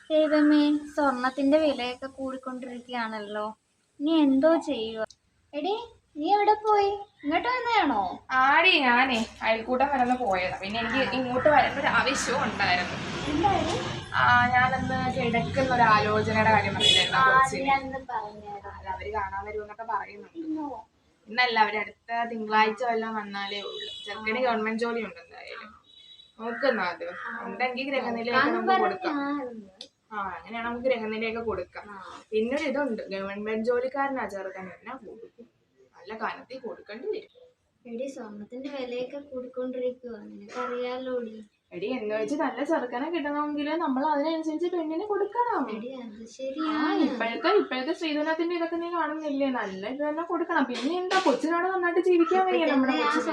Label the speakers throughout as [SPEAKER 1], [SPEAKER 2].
[SPEAKER 1] ദൈവമേ, സ്വർണത്തിന്റെ വിലയൊക്കെ കൂടിക്കൊണ്ടിരിക്കുകയാണല്ലോ. നീ എന്തോ ചെയ്യുക? എടി, നീ എവിടെ പോയി? ഇങ്ങോട്ട് വന്നതാണോ?
[SPEAKER 2] ആടി ഞാനേ അയൽക്കൂട്ടം വരെ പോയതാ. പിന്നെ എനിക്ക് ഇങ്ങോട്ട് വരേണ്ട ഒരു ആവശ്യവും ഉണ്ടായിരുന്നു.
[SPEAKER 1] എന്തായാലും
[SPEAKER 2] ഞാനന്ന് കിടക്കുന്ന ഒരു ആലോചനയുടെ കാര്യം പറഞ്ഞില്ലായിരുന്നു. അവര് കാണാൻ വരുമെന്നൊക്കെ പറയുന്നുണ്ട്. ഇന്നല്ല, അവര് അടുത്ത തിങ്കളാഴ്ച വല്ലതും വന്നാലേ ഉള്ളു. ചെറുക്കന് ഗവൺമെന്റ് ജോലി ഉണ്ട് എന്തായാലും. നോക്കുന്ന അത് ഉണ്ടെങ്കിൽ ഗ്രഹനിലയൊക്കെ നമുക്ക് കൊടുക്കാം. അങ്ങനെയാണ് നമുക്ക് ഗ്രഹനിലയൊക്കെ കൊടുക്കാം. പിന്നൊരു ഇതുണ്ട്, ഗവൺമെന്റ് ജോലിക്കാരനാ ചെറുക്കൻ, എന്നാ കൊടുക്കും, നല്ല കനത്തിൽ കൊടുക്കേണ്ടി വരും.
[SPEAKER 1] എടി, സ്വർണത്തിന്റെ വിലയൊക്കെ കൂടിക്കൊണ്ടിരിക്കുക, നിനക്കറിയാലോടി.
[SPEAKER 2] എടി, എന്ന് വെച്ച് നല്ല ചെറുക്കനെ കിട്ടണമെങ്കിൽ നമ്മൾ അതിനനുസരിച്ച് പെണ്ണിനെ കൊടുക്കണം. ഇപ്പോഴത്തെ സ്ത്രീധനത്തിന്റെ ഇതൊക്കെ നീ കാണുന്നില്ലേ? നല്ല ഇത് തന്നെ കൊടുക്കണം. പിന്നെ എന്താ, കൊച്ചിനോട് നന്നായിട്ട് ജീവിക്കാൻ വയ്യ നമ്മുടെ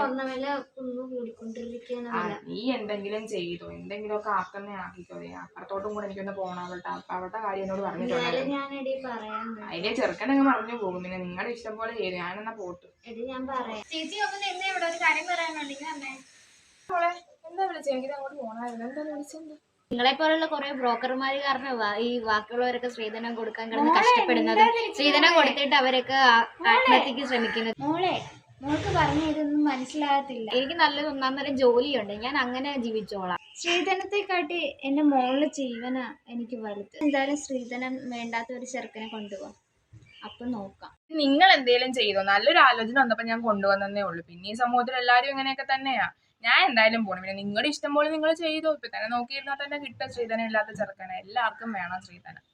[SPEAKER 2] നീ എന്തെങ്കിലും ചെയ്തോ, എന്തെങ്കിലും ഒക്കെ ആക്കിക്കോ. അപ്പുറത്തോട്ടും കൂടെ എനിക്കൊന്ന് പോകണം. അവളുടെ കാര്യം എന്നോട് പറഞ്ഞിട്ടുണ്ട്. അതിന്റെ ചെറുക്കനങ്ങ് പറഞ്ഞു പോകും. പിന്നെ നിങ്ങളുടെ ഇഷ്ടം പോലെ ചെയ്തു. ഞാനെന്നാ പോട്ട്.
[SPEAKER 1] ചേച്ചി ഇവിടെ ഒരു കാര്യം പറയാനുണ്ടെങ്കിൽ
[SPEAKER 2] എന്താ വിളിച്ചത്? എനിക്ക് അങ്ങോട്ട് പോകണമായിരുന്നു. എന്താ വിളിച്ചത്?
[SPEAKER 1] നിങ്ങളെ പോലുള്ള കുറെ ബ്രോക്കർമാര് കാരണം ഈ ബാക്കിയുള്ളവരൊക്കെ സ്ത്രീധനം കൊടുക്കാൻ കിടന്ന് കഷ്ടപ്പെടുന്നത്, സ്ത്രീധനം കൊടുത്തിട്ട് അവരൊക്കെ ആത്മഹത്യക്ക് ശ്രമിക്കുന്നത്. മോൾക്ക് പറഞ്ഞ ഇതൊന്നും മനസ്സിലാകത്തില്ല. എനിക്ക് നല്ലൊരു ഒന്നാം ജോലിയുണ്ട്, ഞാൻ അങ്ങനെ ജീവിച്ചോളാം. സ്ത്രീധനത്തെക്കാട്ടി എന്റെ മോളില് ജീവന എനിക്ക് വലുത്. എന്തായാലും സ്ത്രീധനം വേണ്ടാത്ത ഒരു ചെറുക്കനെ കൊണ്ടുപോവാം, അപ്പൊ നോക്കാം.
[SPEAKER 2] നിങ്ങൾ എന്തേലും ചെയ്തോ? നല്ലൊരു ആലോചന വന്നപ്പോ ഞാൻ കൊണ്ടുവന്നേ ഉള്ളൂ. പിന്നെ ഈ സമൂഹത്തിൽ എല്ലാരും ഇങ്ങനെയൊക്കെ തന്നെയാ. ഞാൻ എന്തായാലും പോണം. പിന്നെ നിങ്ങളുടെ ഇഷ്ടം പോലെ നിങ്ങൾ ചെയ്തോ. ഇപ്പൊ തന്നെ നോക്കിയിരുന്നാൽ തന്നെ കിട്ടും സ്ത്രീധനം ഇല്ലാത്ത ചെറുക്കനെ. എല്ലാവർക്കും വേണം സ്ത്രീധനം.